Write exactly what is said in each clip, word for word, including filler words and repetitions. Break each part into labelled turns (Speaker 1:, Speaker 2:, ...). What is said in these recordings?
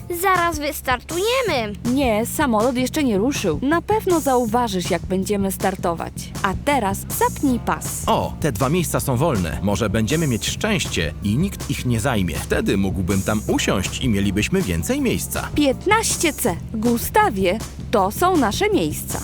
Speaker 1: Zaraz wystartujemy.
Speaker 2: Nie, samolot jeszcze nie ruszył. Na pewno zauważysz, jak będziemy startować. A teraz zapnij pas.
Speaker 3: O, te dwa miejsca są wolne. Może będziemy mieć szczęście i nikt ich nie zajmie. Wtedy mógłbym tam usiąść i mielibyśmy więcej miejsca.
Speaker 2: piętnaście C. Gustawie, to są nasze miejsca.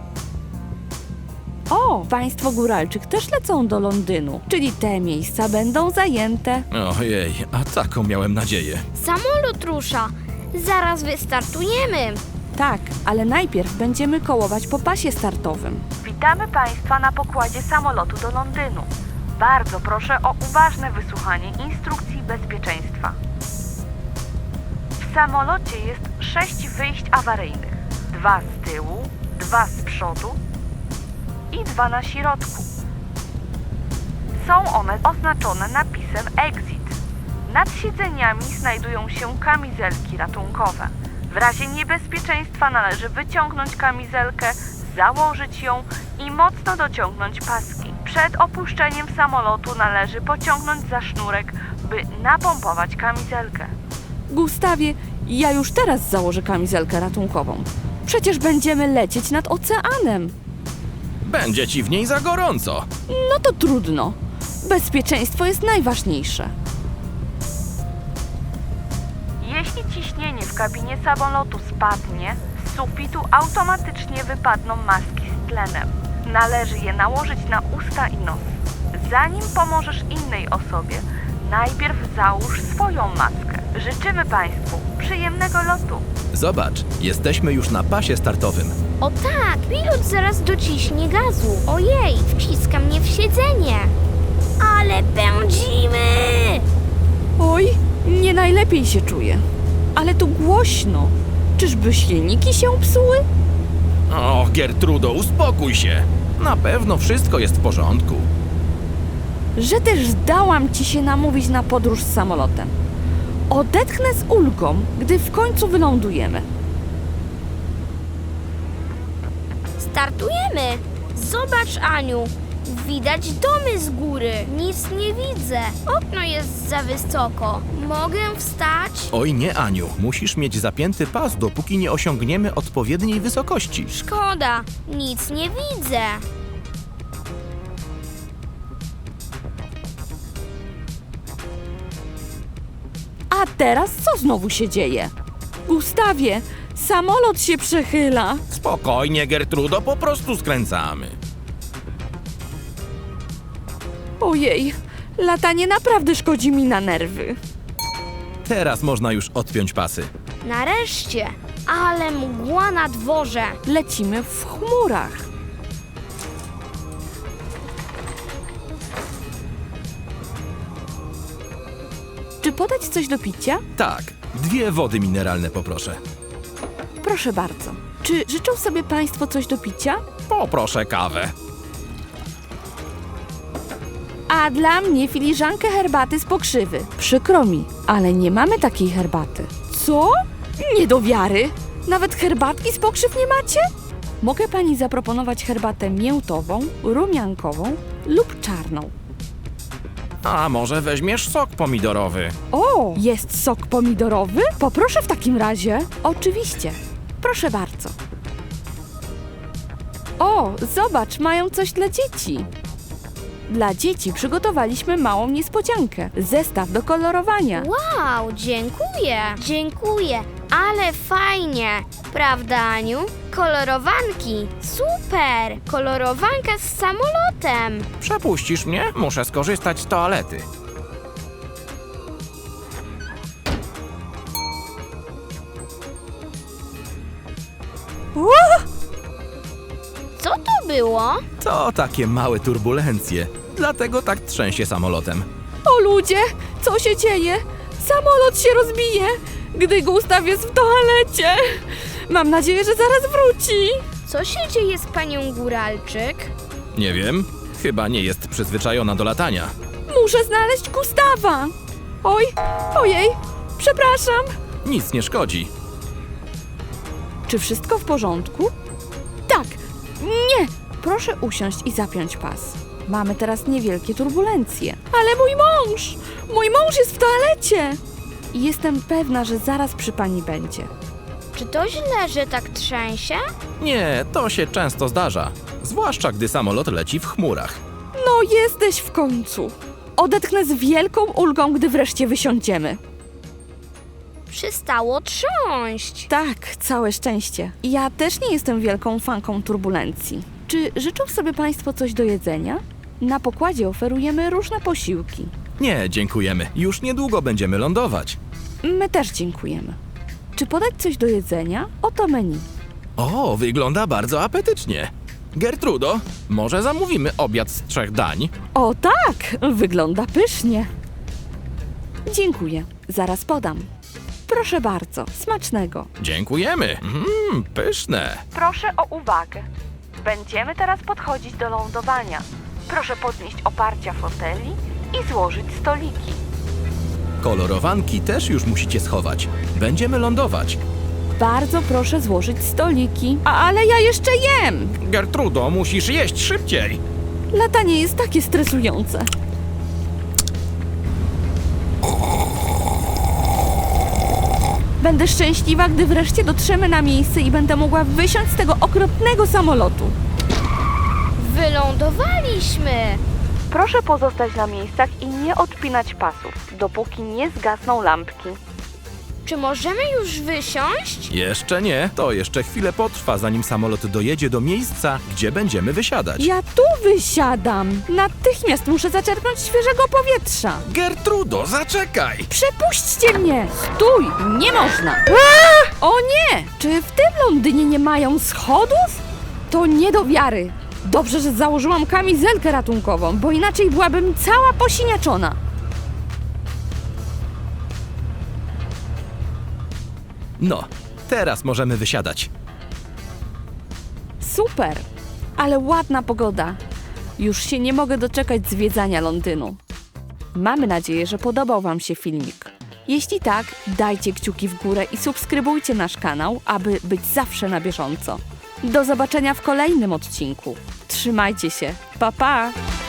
Speaker 2: O, państwo Góralczyk też lecą do Londynu, czyli te miejsca będą zajęte.
Speaker 3: Ojej, a taką miałem nadzieję.
Speaker 1: Samolot rusza. Zaraz wystartujemy.
Speaker 2: Tak, ale najpierw będziemy kołować po pasie startowym. Witamy Państwa na pokładzie samolotu do Londynu. Bardzo proszę o uważne wysłuchanie instrukcji bezpieczeństwa. W samolocie jest sześć wyjść awaryjnych. Dwa z tyłu, dwa z przodu i dwa na środku. Są one oznaczone napisem Exit. Nad siedzeniami znajdują się kamizelki ratunkowe. W razie niebezpieczeństwa należy wyciągnąć kamizelkę, założyć ją i mocno dociągnąć paski. Przed opuszczeniem samolotu należy pociągnąć za sznurek, by napompować kamizelkę. Gustawie, ja już teraz założę kamizelkę ratunkową. Przecież będziemy lecieć nad oceanem.
Speaker 3: Będzie ci w niej za gorąco.
Speaker 2: No to trudno. Bezpieczeństwo jest najważniejsze. Jeśli ciśnienie w kabinie samolotu spadnie, z sufitu automatycznie wypadną maski z tlenem. Należy je nałożyć na usta i nos. Zanim pomożesz innej osobie, najpierw załóż swoją maskę. Życzymy Państwu przyjemnego lotu.
Speaker 3: Zobacz, jesteśmy już na pasie startowym.
Speaker 1: O tak, pilot zaraz dociśnie gazu. Ojej, wciska mnie w siedzenie. Ale pędzimy!
Speaker 2: Oj, nie najlepiej się czuję. Ale tu głośno. Czyżby silniki się psuły?
Speaker 3: O, Gertrudo, uspokój się. Na pewno wszystko jest w porządku.
Speaker 2: Że też zdałam ci się namówić na podróż z samolotem. Odetchnę z ulgą, gdy w końcu wylądujemy.
Speaker 1: Startujemy. Zobacz, Aniu. Widać domy z góry. Nic nie widzę. Okno jest za wysoko. Mogę wstać?
Speaker 3: Oj nie, Aniu, musisz mieć zapięty pas, dopóki nie osiągniemy odpowiedniej wysokości.
Speaker 1: Szkoda. Nic nie widzę.
Speaker 2: A teraz co znowu się dzieje? Gustawie, samolot się przechyla.
Speaker 3: Spokojnie, Gertrudo, po prostu skręcamy.
Speaker 2: Ojej, latanie naprawdę szkodzi mi na nerwy.
Speaker 3: Teraz można już odpiąć pasy.
Speaker 1: Nareszcie. Ale mgła na dworze.
Speaker 2: Lecimy w chmurach. Czy podać coś do picia?
Speaker 3: Tak, dwie wody mineralne poproszę.
Speaker 2: Proszę bardzo. Czy życzą sobie Państwo coś do picia?
Speaker 3: Poproszę kawę.
Speaker 2: A dla mnie filiżankę herbaty z pokrzywy. Przykro mi, ale nie mamy takiej herbaty. Co? Nie do wiary. Nawet herbatki z pokrzyw nie macie? Mogę Pani zaproponować herbatę miętową, rumiankową lub czarną.
Speaker 3: A może weźmiesz sok pomidorowy?
Speaker 2: O, jest sok pomidorowy? Poproszę w takim razie. Oczywiście. Proszę bardzo. O, zobacz, mają coś dla dzieci. Dla dzieci przygotowaliśmy małą niespodziankę. Zestaw do kolorowania.
Speaker 1: Wow, dziękuję. Dziękuję. Ale fajnie. Prawda, Aniu? Kolorowanki. Super. Kolorowanka z samolotem.
Speaker 3: Przepuścisz mnie? Muszę skorzystać z toalety.
Speaker 1: Co to było?
Speaker 3: To takie małe turbulencje. Dlatego tak trzęsie samolotem.
Speaker 2: O ludzie, co się dzieje? Samolot się rozbije, gdy Gustaw jest w toalecie. Mam nadzieję, że zaraz wróci.
Speaker 1: Co się dzieje z panią Góralczyk?
Speaker 3: Nie wiem, chyba nie jest przyzwyczajona do latania.
Speaker 2: Muszę znaleźć Gustawa. Oj, ojej, przepraszam.
Speaker 3: Nic nie szkodzi.
Speaker 2: Czy wszystko w porządku? Tak, nie. Proszę usiąść i zapiąć pas. Mamy teraz niewielkie turbulencje. Ale mój mąż! Mój mąż jest w toalecie!
Speaker 4: i jestem pewna, że zaraz przy pani będzie.
Speaker 1: Czy to źle, że tak trzęsie?
Speaker 3: Nie, to się często zdarza. Zwłaszcza gdy samolot leci w chmurach.
Speaker 4: No jesteś w końcu. Odetchnę z wielką ulgą, gdy wreszcie wysiądziemy.
Speaker 1: Przestało trząść.
Speaker 4: Tak, całe szczęście. Ja też nie jestem wielką fanką turbulencji. Czy życzą sobie państwo coś do jedzenia? Na pokładzie oferujemy różne posiłki.
Speaker 3: Nie, dziękujemy. Już niedługo będziemy lądować.
Speaker 4: My też dziękujemy. Czy podać coś do jedzenia? Oto menu.
Speaker 3: O, wygląda bardzo apetycznie. Gertrudo, może zamówimy obiad z trzech dań?
Speaker 4: O tak, wygląda pysznie. Dziękuję, zaraz podam. Proszę bardzo, smacznego.
Speaker 3: Dziękujemy. Mmm, pyszne.
Speaker 2: Proszę o uwagę. Będziemy teraz podchodzić do lądowania. Proszę podnieść oparcia foteli i złożyć stoliki.
Speaker 3: Kolorowanki też już musicie schować. Będziemy lądować.
Speaker 4: Bardzo proszę złożyć stoliki. A, ale ja jeszcze jem!
Speaker 3: Gertrudo, musisz jeść szybciej.
Speaker 4: Latanie jest takie stresujące. Będę szczęśliwa, gdy wreszcie dotrzemy na miejsce i będę mogła wysiąść z tego okropnego samolotu.
Speaker 1: Wylądowaliśmy.
Speaker 2: Proszę pozostać na miejscach i nie odpinać pasów, dopóki nie zgasną lampki.
Speaker 1: Czy możemy już wysiąść?
Speaker 3: Jeszcze nie. To jeszcze chwilę potrwa, zanim samolot dojedzie do miejsca, gdzie będziemy wysiadać.
Speaker 4: Ja tu wysiadam. Natychmiast muszę zaczerpnąć świeżego powietrza.
Speaker 3: Gertrudo, zaczekaj!
Speaker 4: Przepuśćcie mnie! Stój! Nie można! O nie! Czy w tym Londynie nie mają schodów? To nie do wiary. Dobrze, że założyłam kamizelkę ratunkową, bo inaczej byłabym cała posiniaczona.
Speaker 3: No, teraz możemy wysiadać.
Speaker 4: Super! Ale ładna pogoda. Już się nie mogę doczekać zwiedzania Londynu. Mamy nadzieję, że podobał wam się filmik. Jeśli tak, dajcie kciuki w górę i subskrybujcie nasz kanał, aby być zawsze na bieżąco. Do zobaczenia w kolejnym odcinku. Trzymajcie się. Pa, pa!